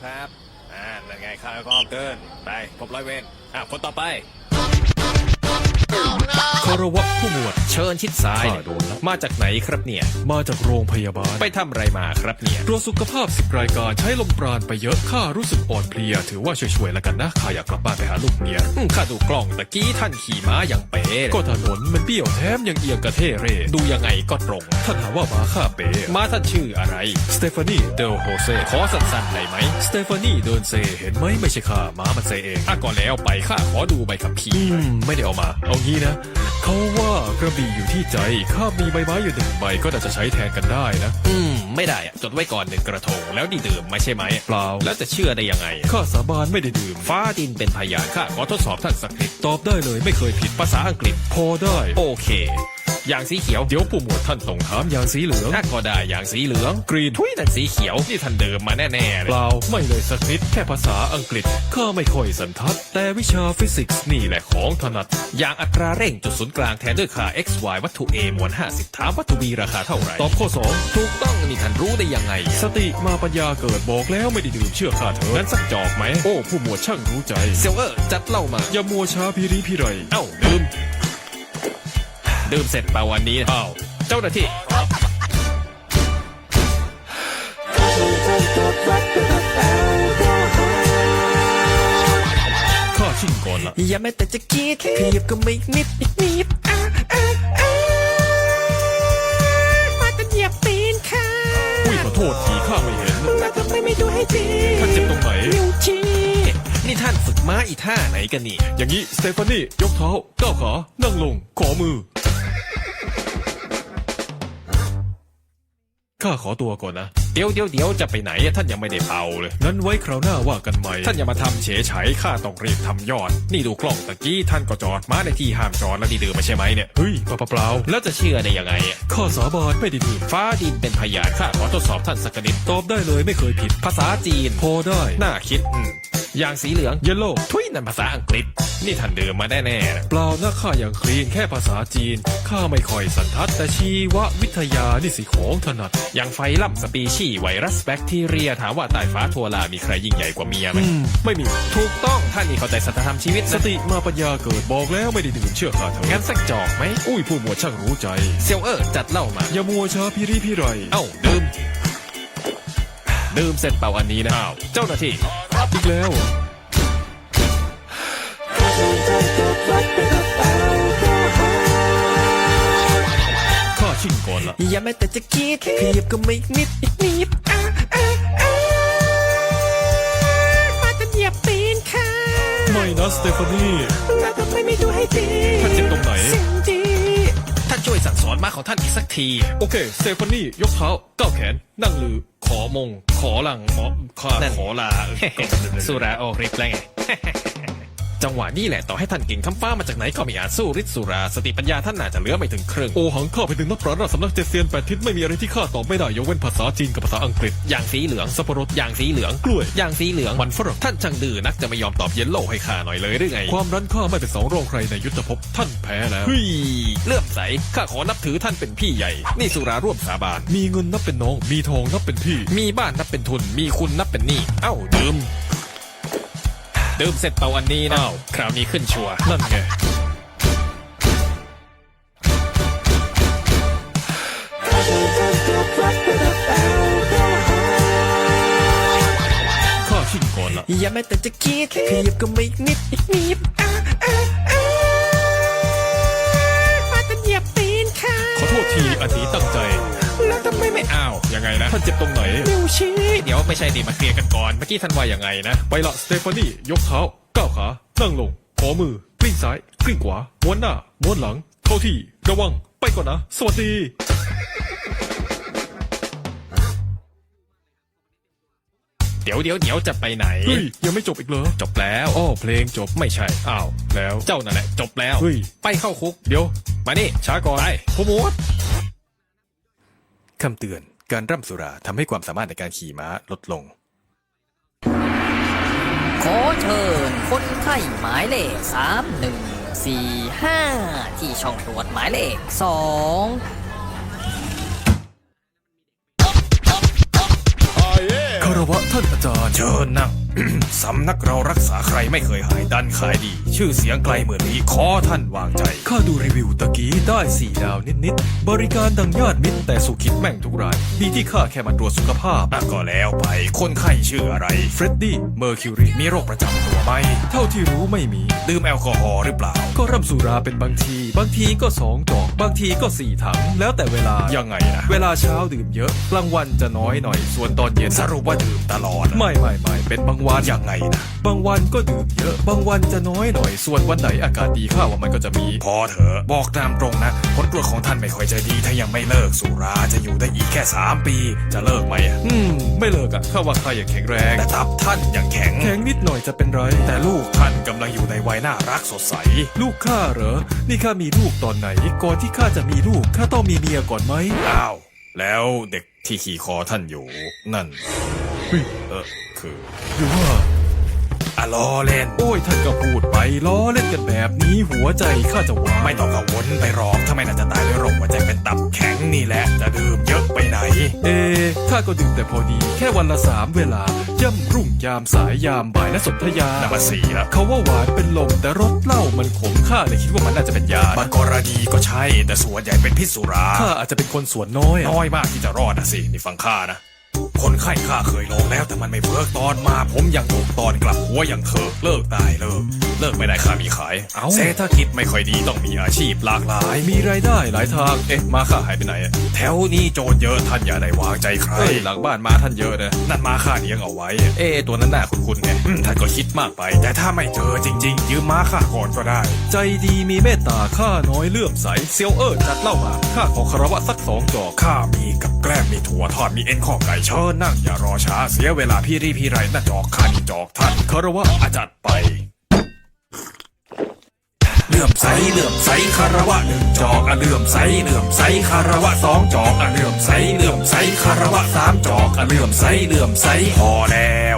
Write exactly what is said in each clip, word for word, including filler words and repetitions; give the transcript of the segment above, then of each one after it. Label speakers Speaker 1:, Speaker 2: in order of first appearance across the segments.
Speaker 1: ครับอ่านั่นไงข้าก็เกินไปพบร้อยเวรอ่ะคนต่อไป
Speaker 2: คารวะผู้หมวด
Speaker 1: เชิญชิดซ้าย
Speaker 2: ข้าโดนแล้ว
Speaker 1: มาจากไหนครับเนี่ย
Speaker 2: มาจากโรงพยาบาล
Speaker 1: ไปทำอะไรมาครับเนี่ย
Speaker 2: ตรวจสุขภาพสิบรายการใช้ลมปราณไปเยอะข้ารู้สึกอ่อนเพลียถือว่าช่วยๆแล้วกันนะข้าอยากกลับบ้านไปหาลูกเมีย
Speaker 1: อืมข้าดูกล้องตะกี้ท่านขี่ม้าอย่างเป๋
Speaker 2: ก็ถนนมันเบี้ยวแถมยังเอียงกระเทเร่
Speaker 1: ดูยังไงก็ตรง
Speaker 2: ท่านหาว่ามาข้าเป๋
Speaker 1: ม้าท่านชื่ออะไร
Speaker 2: สเตฟานีเดลโฮเซ
Speaker 1: ขอสั้นๆได้ไหม
Speaker 2: สเตฟานีเดินเซเห็นไหมไม่ใช่ข้าม้ามันเซเอง
Speaker 1: อ่ะก็แล้วไปข้าขอดูใบขับขี่
Speaker 2: อืมไม่ได้เอามาเอางี้นะเขาว่ากระบี่อยู่ที่ใจข้ามีใบไม้อยู่หนึ่งใบก็น่าจะใช้แทนกันได้นะ
Speaker 1: อืมไม่ได้อะจดไว้ก่อนหนึ่งกระทงแล้วนี่ดื่มไม่ใช่ไหม
Speaker 2: เปล่า
Speaker 1: แล้วจะเชื่อได้ยังไง
Speaker 2: ข้าสาบานไม่ได้ดื่ม
Speaker 1: ฟ้าดินเป็นพยานข้าขอทดสอบท่านสักนิด
Speaker 2: ตอบได้เลยไม่เคยผิด
Speaker 1: ภาษาอังกฤษ
Speaker 2: พอได้
Speaker 1: โอเค อย่างสีเขียว
Speaker 2: เดี๋ยวผู้หมวดท่านต้องถามอย่างสีเหลือง
Speaker 1: ถ้าก็ได้อย่างสีเหลือง
Speaker 2: กรีน
Speaker 1: ทุยนั่นสีเขียวนี่ท่านเดิมมาแน่ๆเล
Speaker 2: เป
Speaker 1: ย
Speaker 2: ล่าไม่เลยสักนิดแค่ภาษาอังกฤษข้าไม่ค่อยสันทัดแต่วิชาฟิสิกส์นี่แหละของถนัด
Speaker 1: อย่างอัตราเร่งจุดศูนย์กลางแทนด้วยค่า x y วัตถุ a มวลห้าสิบถามวัตถุ b ราคาเท่าไหร่
Speaker 2: ตอบข้อสอง
Speaker 1: ถูกต้องนี่ท่านรู้ได้ยังไง
Speaker 2: สติมาปัญญาเกิดบอกแล้วไม่ได้ดื่มเชื่อข้าเถอะ
Speaker 1: งั้นสักจอกไหม
Speaker 2: โอ้ผู้หมวดช่างรู้ใจ
Speaker 1: เซลเออร์จัดเหล่ามา
Speaker 2: อย่ามัวช้าพิริพิไร
Speaker 1: เอ้าดื่มดื่มเสร็จเปล่าวันนี้
Speaker 2: อ้าว
Speaker 1: เจ้าหน้าที่
Speaker 2: ข้าชิ่งก่อนละ
Speaker 3: อย่าแม้แต่จะคิดขยับก็ไม่นิดนิดนิดอ่ะอ่ะอ่ะมาแต่เหยียบตีนค่ะ
Speaker 2: อุ้ยขอโทษทีข้าไม่เห็น
Speaker 3: มาทำไมไม่ดูให้ดี
Speaker 2: ท่านเจ็บตรงไหน
Speaker 3: นิ้วชี้
Speaker 1: นี่ท่านฝึกม้าอีท่าไหนกันนี่
Speaker 2: อย่างนี้สเตฟานียกเท้าก้าวขานั่งลงขอมือข้าขอตัวก่อนนะ
Speaker 1: เดี๋ยวเดี๋ยวเดี๋ยวจะไปไหนอะท่านยังไม่ได้เป่าเลย
Speaker 2: งั้นไว้คราวหน้าว่ากันใหม่
Speaker 1: ท่านอย่ามาทำเฉยไฉข้าต้องรีบทำยอด นี่ดูกล้องตะกี้ท่านก็จอดม้าในที่ห้ามจอดแล้วนี่ดื่มไม่ใช่ไหมเนี่ย
Speaker 2: เฮ้ยเปล่าเปล่า
Speaker 1: แล้วจะเชื่อได้ยังไงอะ
Speaker 2: ข้าสาบานไม่ได้ดื่ม
Speaker 1: ฟ้าดินเป็นพยานข้าขอทดสอบท่านสักนิด
Speaker 2: ตอบได้เลยไม่เคยผิด
Speaker 1: ภาษาจีน
Speaker 2: พอได้
Speaker 1: น่าคิดอืมอย่างสีเหลือง
Speaker 2: เยลโล่
Speaker 1: ทุยนั่นภาษาอังกฤษ นี่ท่านดื่มมาแน่ๆนะ
Speaker 2: เปล่านะข้าอย่างคลีนแค่ภาษาจีนข้าไม่ค่อยสันทัดแต่ชีววิทยานี่สิของถนัด
Speaker 1: อย่างไฟล่ำสปีชีส์ไวรัสแบคทีเรียถามว่าใต้ฟ้าทั่วลามีใครยิ่งใหญ่กว่าเมียไหม
Speaker 2: อืมไม่มี
Speaker 1: ถูกต้องท่านนี่เข้าใจสัจธรรมชีวิต
Speaker 2: ส
Speaker 1: นะ
Speaker 2: ติมาปัญญาเกิดบอกแล้วไม่ได้ดื่มเชื่อข้าเถ
Speaker 1: งั้
Speaker 2: อะ
Speaker 1: นสักจอกไหม
Speaker 2: อุ้ยผู้หมวดช่างรู้ใจ
Speaker 1: เซลเออร์จัดเหล้ามา
Speaker 2: อย่ามัวช้าพิริพิไร
Speaker 1: เอ้าดื่มดื่มเสร็จเปล่าอันนี้นะ
Speaker 2: อ้าว
Speaker 1: เจ้าหน้าที่
Speaker 2: อีกแล้วเหรอข้าชิ่งก่อนละ
Speaker 3: อย่าแม้แต่จะคิดขยับก็ไม่นิดนิดนิดอ่ะอ่ะอ่ะมาแต่เหยียบตีนค่ะ
Speaker 2: ไม่นะสเตฟานี
Speaker 3: มาทำไมไม่ดูให้ดี
Speaker 2: ท่านเจ็บตรงไหน
Speaker 3: สิ่งดี
Speaker 1: ท่านช่วยสั่งสอนม้าของท่านอีกสักที
Speaker 2: โอเคสเตฟานียกเท้าก้าวแขนนั่งลือ ขอมง ขอหลังหมอข้า
Speaker 1: นั่น
Speaker 2: ขอลา
Speaker 1: สุราโอริปแล้วไง จังหวะนี้แหละต่อให้ท่านเก่งทำฟ้ามาจากไหนก็ไม่อาจสู้ฤทธิ์สุราสติปัญญาท่านน่าจะเหลือไม่ถึงครึ่ง
Speaker 2: โอหังข้าไปถึงนักปราชญ์ราชสำนักเจเซียนแปดทิศไม่มีอะไรที่ข้าตอบไม่ได้ยกเว้นภาษาจีนกับภาษาอังกฤษ
Speaker 1: อย่างสีเหลือง
Speaker 2: สับปะรด
Speaker 1: อย่างสีเหลือง
Speaker 2: กล้วย
Speaker 1: อย่างสีเหลือง
Speaker 2: มันฝรั่ง
Speaker 1: ท่านช่างดื้อนักจะไม่ยอมตอบเยลโล่ให้ข้าหน่อยเลยหรือไง
Speaker 2: ความรั้นข้าไม่เป็นสองรองใครในยุทธภพท่านแพ้แล้ว
Speaker 1: เฮ้ยเลื่อมใสข้าขอนับถือท่านเป็นพี่ใหญ่ นี่สุราร่วมสาบาน
Speaker 2: มีเงินนับเป็นน้อง มีทองนับเป็นพี่
Speaker 1: มีบ้านนับเป็นทุน มีคุณนับเป็นหนี้ เอ้าดื่มดื่มเสร็จเป่าอันนี้นะ
Speaker 2: อ้าว
Speaker 1: คราวนี้ขึ้นชัวร์
Speaker 2: นั่นไงข้าชิ่งก่อนละ
Speaker 3: อย่าแม้แต่จะคิดขยับก็ไม่นิดนิดนิดอ่ะอ่ะอ่ะมาแต่เหยียบตีนค่ะ
Speaker 2: ขอโทษทีอันนี้ตั้งใจ
Speaker 3: แล้วทำไมไม่
Speaker 1: อ้าวยังไงนะ
Speaker 2: ท่านเจ็บตรงไหน
Speaker 3: นิ้วชี้
Speaker 1: เดี๋ยวไม่ใช่ดิมาเคลียร์กันก่อน เมื่อกี้ท่านว่ายังไงนะ
Speaker 2: ไปละสเตฟานียกเท้าก้าวขานั่งลง ขอมือกลิ้งซ้ายกลิ้งขวาม้วนหน้าม้วนหลัง เข้าที่ระวังไปก่อนนะ สวัสดี
Speaker 1: เดี๋ยวเดี๋ยวเดี๋ยวจะไปไหน
Speaker 2: เฮ้ย ยังไม่จบอีกเหรอ
Speaker 1: จบแล้ว
Speaker 2: อ้อเพลงจบ
Speaker 1: ไม่ใช่
Speaker 2: อ้าวแล้ว
Speaker 1: เจ้านั่นแหละจบแล้ว
Speaker 2: เฮ้ย
Speaker 1: ไปเข้าคุก
Speaker 2: เดี๋ยว
Speaker 1: มานี่
Speaker 2: ช้าก่อน
Speaker 1: ไป
Speaker 2: ผู้หมวด
Speaker 1: คำเตือนการร่ำสุราทำให้ความสามารถในการขี่ม้าลดลง
Speaker 4: ขอเชิญคนไข้หมายเลขสามหนึ่งสี่ห้าที่ช่องตรวจหมายเลขสอง
Speaker 2: คารวะท่านอาจารย์
Speaker 1: เชิญนั่ง สำนักเรารักษาใครไม่เคยหายดันขายดี ชื่อเสียงไกลเหมือนนี้ขอท่านวางใจ
Speaker 2: ข้าดูรีวิวตะกี้ได้สี่ดาวนิดๆบริการดังญาติมิตรแต่สุขิดแม่งทุกรายดีที่ข้าแค่มาตรวจสุขภาพ
Speaker 1: อ่ะก็แล้วไปคนไข้ชื่ออะไร
Speaker 2: เฟรดดี้เมอร์คิวรี
Speaker 1: มีโรคประจำตัวไหม
Speaker 2: เท่าที่รู้ไม่มี
Speaker 1: ดื่มแอลกอฮอล์หรือเปล่า
Speaker 2: ก็ร่ำสุราเป็นบางที บางทีก็สองจอกบางทีก็สี่ถัง แล้วแต่เวลา
Speaker 1: ยังไงนะ
Speaker 2: เวลาเช้าดื่มเยอะกลางวันจะน้อยหน่อยส่วนตอนเย็น
Speaker 1: สรุปว่าดื่มตลอด
Speaker 2: ไม่ไม่ไม่เป็นบางวัน
Speaker 1: ยังไงนะ
Speaker 2: บางวันก็ดื่มเยอะ บางวันจะน้อยหน่อยส่วนวันไหนอากาศดีข้าว่ามันก็จะมี
Speaker 1: พอเถอะบอกตามตรงนะผลตรวจของท่านไม่ค่อยจะดีถ้ายังไม่เลิกสุราจะอยู่ได้อีกแค่สามปี จะเลิกไหมอะ
Speaker 2: อืม ไม่เลิกอะข้าว่าข้ายังแข็งแรง
Speaker 1: แต่ตับท่านยังแข็ง
Speaker 2: แข็งนิดหน่อยจะเป็นไร
Speaker 1: แต่ลูกท่านกำลังอยู่ในวัยน่ารักสดใส
Speaker 2: ลูกข้าเหรอ นี่ข้ามีลูกตอนไหน ก่อนที่ข้าจะมีลูกข้าต้องมีเมียก่อนไหม
Speaker 1: อ้าว แล้วเด็กที่ขี่คอท่านอยู่ นั่น
Speaker 2: เฮ้ย
Speaker 1: เออคือ
Speaker 2: หรือว่า
Speaker 1: อะล้อเล่น
Speaker 2: โอ้ยท่านก็พูดไปล้อเล่นกันแบบนี้หัวใจข้าจะวาย
Speaker 1: ไม่ต้องกังวลไปหรอกถ้าไม่น่าจะตายด้วยโรคหัวใจเป็นตับแข็งนี่แหละ จะดื่มเยอะไปไหน
Speaker 2: เอข้าก็ดื่มแต่พอดี แค่วันละสามเวลา ย่ำรุ่งยามสายยามบ่ายและสนธยา
Speaker 1: นับมาสี่แล้ว
Speaker 2: เขาว่าหวานเป็นลมแต่รสเหล้ามันขมข้าเลยคิดว่ามันน่าจะเป็นยา
Speaker 1: บางกรณีก็ใช่ แต่ส่วนใหญ่เป็นพิษสุรา
Speaker 2: ข้าอาจจะเป็นคนส่วนน้อยอะ
Speaker 1: น้อยมากที่จะรอดนะสิ นี่ฟังข้านะ คนไข้ข้าเคยลองแล้วแต่มันไม่เวิร์กตอนมา ผมยังถูกตอนกลับหัวยังเถิกเลิกตายเลิก เลิกไม่ได้ข้ามีขาย
Speaker 2: เอ้า
Speaker 1: เศรษฐกิจไม่ค่อยดีต้องมีอาชีพหลากหลาย
Speaker 2: มีรายได้หลายทาง เอ๊ะมาข้าหายไปไหนอะ
Speaker 1: แถวนี้โจรเยอะท่านอย่าได้วางใจใคร
Speaker 2: เฮ้ยหลังบ้านมาท่านเยอะนะ
Speaker 1: นั่นมาข้าเลี้ยงเอาไว้ เอ๊ะตัวนั้นน่าคุ้นๆไงอืมท่านก็คิดมากไป แต่ถ้าไม่เจอจริง ๆ ยืมม้าข้าก่อนก็ได้
Speaker 2: ใจดีมีเมตตาข้าน้อยเลื่อมใสเซียวเอิร์จัดเหล่ามาข้าขอคารวะสักสองจอก
Speaker 1: ข้ามีกับแกล้มมีถั่วทอดมีเอ็นข้อไก่เชิญนั่งอย่ารอช้าเสียเวลาพี่รีพี่ไรน่าจอกข้านี่จอกท่าน
Speaker 2: คารวะ
Speaker 1: อาจัดไปเลื่อมใสเลื่อมใสคารวะหนึ่งจอกอะเลื่อมใสเลื่อมใสคารวะสองจอกอะเลื่อมใสเลื่อมใสคารวะสามจอกอะเลื่อมใสเลื่อมใสพอแล้ว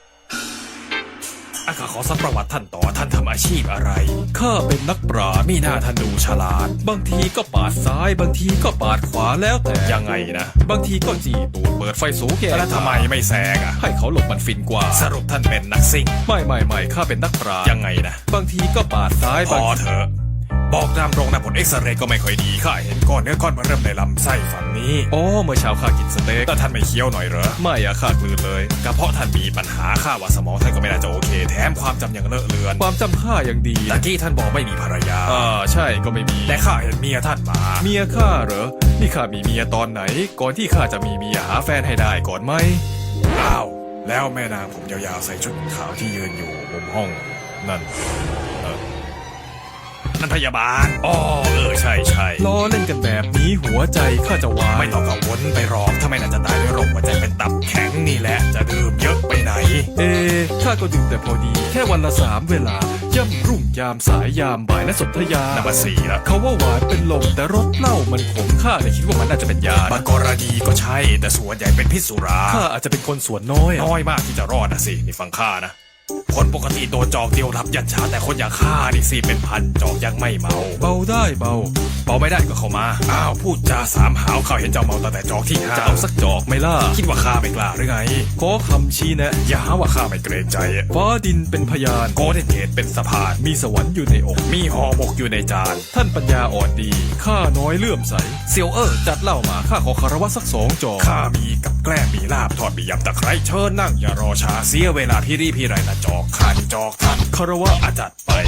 Speaker 1: อะข้าขอสักประวัติท่านต่อท่านทำอาชีพอะไร
Speaker 2: ข้าเป็นนักปราชญ์
Speaker 1: มีหน้าท่านดูฉลาด
Speaker 2: บางทีก็ปาดซ้าย บางทีก็ปาดขวาแล้วแต่
Speaker 1: ยังไงนะ
Speaker 2: บางทีก็จีตูดเปิดไฟสูงแก่
Speaker 1: แล้วทำไมไม่แซงอ่ะ
Speaker 2: ให้เขาหลบมันฟินกว่า
Speaker 1: สรุปท่านเป็นนักซิ่ง
Speaker 2: ไม่ไม่ไม่ข้าเป็นนักปราชญ์
Speaker 1: ยังไงนะ
Speaker 2: บางทีก็ปาดซ้าย
Speaker 1: พ
Speaker 2: บาง
Speaker 1: อเถอะ บอกตามตรงนะผลเอ็กซเรย์ก็ไม่ค่อยดีข้าเห็นก้อนเนื้อก้อนมันเริ่มในลำไส้ฝั่งนี้
Speaker 2: อ๋อเมื่อเช้าข้ากินสเต็ก
Speaker 1: แล้วท่านไม่เคี้ยวหน่อยเหรอ
Speaker 2: ไม่อะข้ากลืนเลย
Speaker 1: กระเพาะท่านมีปัญหาข้าว่าสมองท่านก็ไม่น่าจะโอเค แถมความจำยังเลอะเลือน
Speaker 2: ความจำข้ายังดี
Speaker 1: ตะกี้ท่านบอกไม่มีภรรยา
Speaker 2: อ่าใช่ก็ไม่มี
Speaker 1: แต่ข้าเห็นเมียท่านมา
Speaker 2: เมียข้าเหรอ นี่ข้ามีเมียตอนไหน ก่อนที่ข้าจะมีเมียหาแฟนให้ได้ก่อนไหม
Speaker 1: อ้าวแล้วแม่นางผมยาวๆใส่ชุดขาวที่ยืนอยู่มุมห้อง นั่นเออนั่นพยาบาลอ๋อเออใช่ใช่
Speaker 2: ล้อเล่นกันแบบนี้หัวใจข้าจะวาย
Speaker 1: ไม่ต้องกังวลไปหรอกถ้าไม่น่าจะตายด้วยโรคหัวใจเป็นตับแข็งนี่แหละจะดื่มเยอะไปไหน
Speaker 2: เอข้าก็ดื่มแต่พอดี แค่วันละสามเวลา ย่ำรุ่งยามสายยามบ่ายและสนธยา
Speaker 1: นับมาสี่แล้ว
Speaker 2: เขาว่าหวานเป็นลมแต่รสเหล้ามันขมข้าเลยคิดว่ามันน่าจะเป็นยา
Speaker 1: บางกรณีก็ใช่ แต่ส่วนใหญ่เป็นพิษสุรา
Speaker 2: ข้าอาจจะเป็นคนส่วนน้อยอะ
Speaker 1: น้อยมากที่จะรอดนะสิ นี่ฟังข้านะ คนปกติโดนจอกเดียวรับยันชาแต่คนอย่างข้านี่สิเป็นพันจอกยังไม่เมา
Speaker 2: เบาได้เบา
Speaker 1: เบาไม่ได้ก็เข้ามา อ้าวพูดจาสามหาวข้าเห็นเจ้าเมาตั้งแต่จอกที่ห้า
Speaker 2: จะเอาสักจอกไหมล่ะ
Speaker 1: คิดว่าข้าไม่กล้าหรือไง
Speaker 2: ขอคำชี้แนะ
Speaker 1: อย่าหาว่าข้าไม่เกรงใจ
Speaker 2: ฟ้าดินเป็นพยาน
Speaker 1: โกเด้นเกตเป็นสะพาน
Speaker 2: มีสวรรค์อยู่ในอก
Speaker 1: มีห่อหมกอยู่ในจาน
Speaker 2: ท่านปัญญาอ่อนดี ข้าน้อยเลื่อมใส เซียวเออจัดเหล้ามา ข้าขอคารวะสักสองจอก
Speaker 1: ข้ามีกับแกล้มมีลาบทอดมียำตะไคร้เชิญนั่งอย่ารอช้าเสียเวลาพี่รีพี่ไรนะจอกข้านี่จอกท่าน
Speaker 2: คารวะ
Speaker 1: อาจัดไป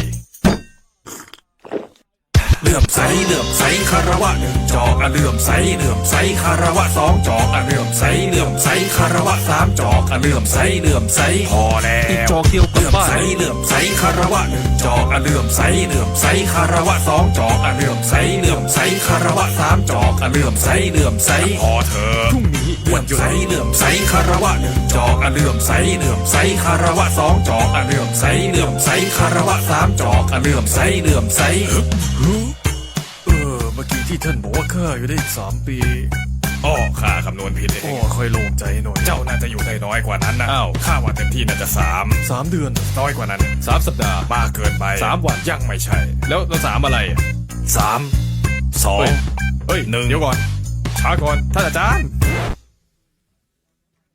Speaker 1: เลื่อมใสเลื่อมใสคารวะหนึ่งจอกอะเลื่อมใสเลื่อมใสคารวะสองจอกอะเลื่อมใสเลื่อมใสคารวะสามจอกอะเลื่อมใสเลื่อมใสพอแล้ว
Speaker 2: อีกจอกเดียวกลับ
Speaker 1: เลื่อม
Speaker 2: บ้าน
Speaker 1: ใสเลื่อมใสคารวะหนึ่งจอกอะเลื่อมใสเลื่อมใสคารวะสองจอกอะเลื่อมใสเลื่อมใสคารวะสามจอกอะเลื่อมใสเลื่อมใสพอเถอะ
Speaker 2: พรุ่งนี้
Speaker 1: เลื่อมใสเลื่อมใสคารวะหนึ่งจอกอะเลื่อมใสเลื่อมใสคารวะสองจอกอะเลื่อมใสเลื่อมใสคารวะสามจอกอะเลื่อมใสเลื่อมใส
Speaker 2: เออ เมื่อกี้ที่ท่านบอกว่าข้าอยู่ได้อีกสามปี
Speaker 1: อ้อข้าคำนวณผิดเอ
Speaker 2: โอ้
Speaker 1: ง
Speaker 2: ค่อยโล่งใจหน่อย
Speaker 1: เจ้าน่าจะอยู่ได้น้อยกว่านั้นนะ
Speaker 2: อ้าว
Speaker 1: ข้าว่าเต็มที่น่าจะสาม
Speaker 2: สามเดือน
Speaker 1: น้อยกว่านั้น
Speaker 2: สามสัปดาห์
Speaker 1: มากเกินไป
Speaker 2: สามวัน
Speaker 1: ยังไม่ใช่
Speaker 2: แล้วแล้วสามอะไรอะ
Speaker 1: สามสอง
Speaker 2: เฮ้ย เฮ้ย
Speaker 1: หนึ่ง
Speaker 2: เดี๋ยวก่อน ช้าก่อน ท่านอาจารย์
Speaker 1: ฮ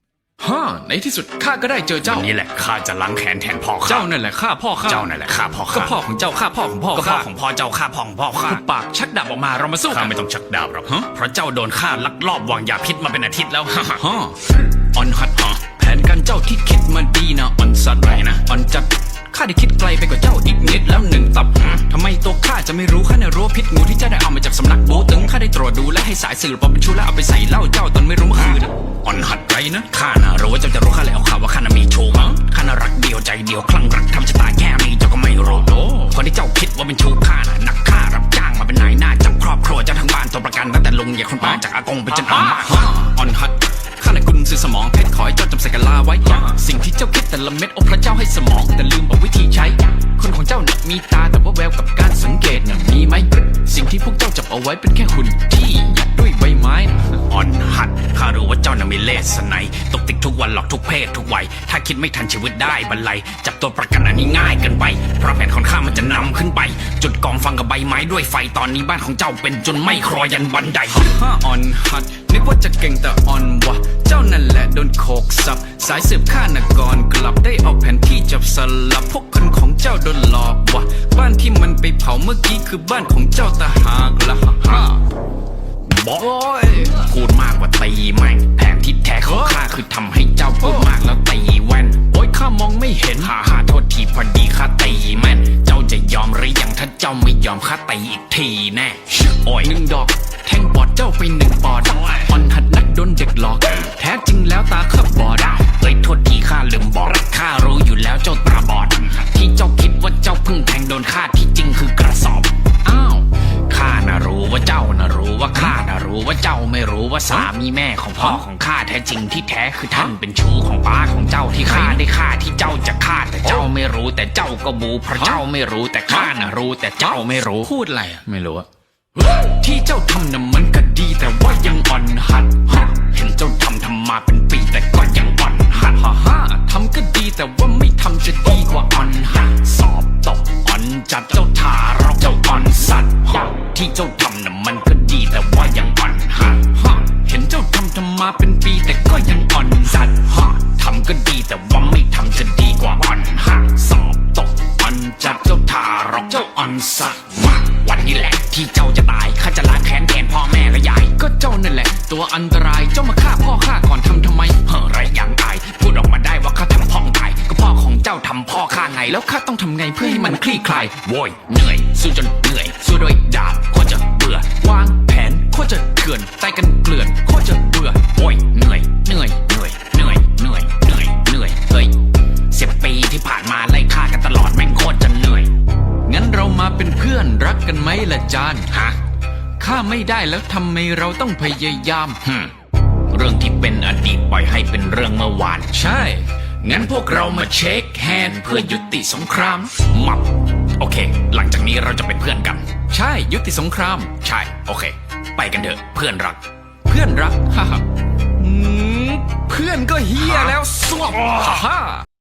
Speaker 5: ฮ่าในที่สุดข้าก็ได้เจอเจ้า
Speaker 6: วันนี้แหละข้าจะล้างแค้นแทนพ่อข้า
Speaker 5: เจ้านั่นแหละฆ่าพ่อข้า
Speaker 6: เจ้านั่นแหละฆ่าพ่อ
Speaker 5: ก็
Speaker 6: ข้า
Speaker 5: พ่อของเจ้าฆ่าพ่อของพ่อ
Speaker 6: ก็พ่อ
Speaker 5: ข้า
Speaker 6: ของพ่อเจ้าฆ่าพ่อของพ่อข้า
Speaker 5: หุบปากชักดาบออกมาเรามาสู้
Speaker 6: ข้า
Speaker 5: กัน
Speaker 6: ไม่ต้องชักดาบหรอกฮะเพราะเจ้าโดนข้าลักลอบวางยาพิษมาเป็นอาทิตย์แล้ว
Speaker 5: ฮ่าออนฮัดฮะแผนการเจ้าที่คิดมาดีนะออนสัตว์ไรนะออนจัดข้าได้คิดไกลไปกว่าเจ้าอีกนิดแล้วหนึ่งตับทำไมตัวข้าจะไม่รู้ข้าในรู้ว่าพิษงูที่เจ้าได้เอามาจากสำนักโบตึงข้าได้ตรวจดูและให้สายสื่อปอเป็นชู้แล้วเอาไปใส่เหล้าเจ้าตอนไม่รู้เมื่อคืนนะออนฮัดไรนะ
Speaker 6: ข้าน่ะรู้ว่าเจ้าจะรู้ข้าแล้วข่าวว่าข้าน่ะมีชู้มั้งข้าน่ะรักเดียวใจเดียวคลั่งรักทำชะตาแค่นี้เจ้าก็ไม่รู้โอ้คนที่เจ้าคิดว่าเป็นชู้ข้าน่ะนักฆ่ารับจ้างมาเป็นนายหน้าจับครอบครัวเจ้าทั้งบ้านตัวประกันตั้งแต่ลุงใหญ่คนป้าจากอากงไปจนอาม่า
Speaker 5: ออนฮัดข้าในกุญซื้อสมองเพชรขอให้เจ้าจำใส่กะลาไว้ สิ่งที่เจ้าคิดแต่ละเม็ดโอ้พระเจ้าให้สมองแต่ลืมบอกวิธีใช้ คนของเจ้าน่ะมีตาแต่ว่าแววกับการสังเกตน่ะมีไหมสิ่งที่พวกเจ้าจับเอาไว้เป็นแค่หุ่นที่ยัดด้วยใบไม้นะ
Speaker 6: อ่อนหัดข้ารู้ว่าเจ้าน่ะมีเลสไนตกติดทุกวันหลอกทุกเพศทุกวัยถ้าคิดไม่ทันชีวิตได้บรรลัยจับตัวประกันอันนี้ง่ายเกินไปเพราะแผนของข้ามันจะนำขึ้นไป จุดกองฟังกับใบไม้ด้วยไฟตอนนี้บ้านของเจ้าเป็นจนไม่ครอยันบันได
Speaker 5: ฮ่าออนฮัดนึกว่าจะเก่งแต่ออนวะเจ้านั่นแหละโดนโขกสับสายสืบข้านกรกลับได้เอาแผนที่จับสลับพวกคนของเจ้าโดนหลอกวะบ้านที่มันไปเผาเมื่อกี้คือบ้านของเจ้าตาหากละฮ่าฮ่า
Speaker 6: บอกพูดมากกว่าตีแม่งแผนที่แท้ของข้าคือทำให้เจ้าพูดมากแล้วตีแว่น
Speaker 5: โอ้ยข้ามองไม่เห็น
Speaker 6: ฮ่าฮ่าโทษทีพอดีข้าตีแม่น เจ้าจะยอมหรือยังถ้าเจ้าไม่ยอมข้าตีอีกทีแน่โอ้ย
Speaker 5: หนึ่งดอกแทงปอดเจ้าไปหนึ่งปอดออนหัดนักโดนเด็กหลอก แท้จริงแล้วตาข้าบอด
Speaker 6: เอ้ยโทษทีข้าลืมบอกข้ารู้อยู่แล้วเจ้าตาบอด ที่เจ้าคิดว่าเจ้าเพิ่งแทงโดนข้าที่จริงคือกระสอบ
Speaker 5: อ้าว
Speaker 6: ข้าน่ะรู้ว่าเจ้าน่ะรู้ว่าข้าน่ะรู้ว่าเจ้าไม่รู้ว่าสามีแม่ของพ่อของข้าแท้จริงที่แท้คือท่านเป็นชู้ของป้าของเจ้าที่ข้าได้ฆ่าที่เจ้าจะฆ่าแต่เจ้าไม่รู้แต่เจ้าก็บูเพราะเจ้าไม่รู้แต่ข้าน่ะรู้แต่เจ้าไม่รู้
Speaker 5: พูดอะไรอะ
Speaker 6: ไม่รู้อะ
Speaker 5: ที่เจ้าทำน่ะมันก็ดีแต่ว่ายังอ่อนหัดฮะ
Speaker 6: เห็นเจ้าทำทำมาเป็นปีแต่ก็ยังอ่อนหัด
Speaker 5: ฮ่าฮ่าทำก็ดีแต่ว่าไม่ทำจะดีกว่าอ่อนหัด
Speaker 6: สอบตกอ่อนจัดเจ้าทารกเจ้าอ่อนสัตว์ที่เจ้าทำน่ะมันก็ดีแต่ว่ายังอ่อนหัด
Speaker 5: ฮะเห็นเจ้าทำทำมาเป็นปีแต่ก็ยังอ่อนสัตว์
Speaker 6: ฮะทำก็ดีแต่ว่าไม่ทำจะดีกว่าอ่อนหัดสอบตกอ่อนจัดเจ้าทารกเจ้าอ่อนสัตว์มาวันนี้แหละที่เจ้าจะตายข้าจะล้างแค้นแทนพ่อแม่และยาย
Speaker 5: ก็เจ้านั่นแหละ ตัวอันตรายเจ้ามาฆ่าพ่อข้าก่อนทำทำไม
Speaker 6: เฮ้อไรอย่างตายพูดออกมาได้ว่าข้าทำพ่องตายก็พ่อของเจ้าทำพ่อข้าไง
Speaker 5: แล้วข้าต้องทำไงเพื่อให้มันคลี่คลาย
Speaker 6: โว้ยเหนื่อยสู้จนเหนื่อยสู้ด้วยดาบโคตรจะเบื่อ
Speaker 5: วางแผนโคตรจะเถื่อนตายกันเกลื่อนโคตรจะเบื่อ
Speaker 6: โว้ยเหนื่อยเหนื่อยเหนื่อยเหนื่อยเหนื่อยเหนื่อยเหนื่อยเฮ้ยสิบปีที่ผ่านมาไล่ฆ่ากันตลอดแม่งโคตรจะเหนื่อย
Speaker 5: งั้นเรามาเป็นเพื่อนรักกันไหมล่ะจาน
Speaker 6: ฮะ
Speaker 5: ข้าไม่ได้แล้วทำไมเราต้องพยายาม
Speaker 6: ฮึมเรื่องที่เป็นอดีตปล่อยให้เป็นเรื่องเมื่อวาน
Speaker 5: ใช่
Speaker 6: งั้นพวกเรามาเช็คแฮนด์เพื่อยุติสงครามมับโอเค หลังจากนี้เราจะเป็นเพื่อนกัน
Speaker 5: ใช่ยุติสงคราม
Speaker 6: ใช่โอเค ไปกันเถอะเพื่อนรัก
Speaker 5: เพื่อนรักฮ่าฮ่าอืมเพื่อนก็เฮียแล้วสวบฮ่าฮ่า